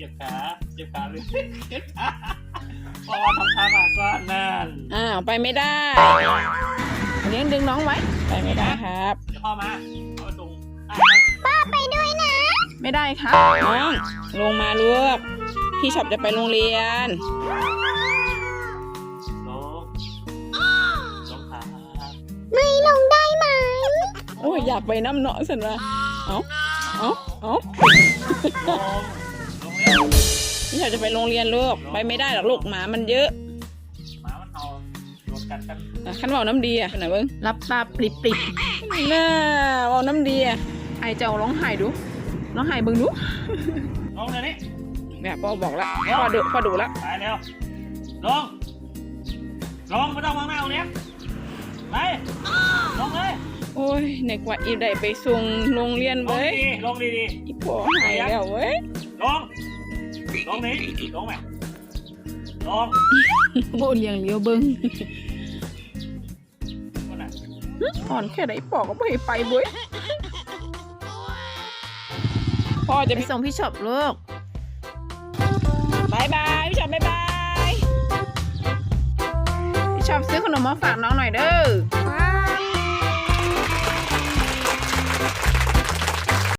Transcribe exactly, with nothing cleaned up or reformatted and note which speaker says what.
Speaker 1: จ็บขาเจ็บขาเลยพอทำท่ามาก็นั่น
Speaker 2: อ้าวไปไม่ได้เลี้ยงดึงน้องไว้ไปไม่ได้ครับ
Speaker 1: เดี๋ยวพ่อมาพ่อตรง
Speaker 3: ป้าไปด้วยนะ
Speaker 2: ไม่ได้ครับน้องลงมาลูกพี่ชอบจะไปโรงเรียน
Speaker 1: ลงลงขา
Speaker 3: ไม่ลงได้ไหม
Speaker 2: โอ้ยอยากไปน้ำเนาะสันวะเอาเอาเอา
Speaker 1: ลงลงเร็ว
Speaker 2: พี่ชอบจะไปโรงเรียนลูกไปไม่ได้หรอกลูกหมามันเยอะ
Speaker 1: หมามันเอาโดนกัดกัน
Speaker 2: ขันว่าน้ำดีอ่ะไหนเบิ้งรับตาปริบปริบน่าว่าน้ำดีอ่ะไอเจ้าร้องไห้ดูร้องไห้เบิ้งดู
Speaker 1: ลงเลยนี่
Speaker 2: เนี่ยพ่อบอกแล้วพ่อดูพ่อดูแล้ว
Speaker 1: ไปเร็วลงลงไม่ต้องมองหน้าตรงนี้ไปลงเลย
Speaker 2: โอ้ยในกว่าอีได้ไปส่งโรงเรียนเว้ย
Speaker 1: ลงดีดี
Speaker 2: อีพ่อหายแล้วเว้ย
Speaker 1: ลงลงนี้ลงไหมลง
Speaker 2: โอ้เลี้ยงเลี้ยวเบิ้ง
Speaker 1: คนน่ะ
Speaker 2: อ่อนแค่ไหนปอกก็ไม่ไปเว้ยพ่อจะไปส่งพี่ช็อปลูกบายบายพี่ช็อปบายบายพี่ช็อปซื้อขนมมาฝากน้องหน่อยเด้อ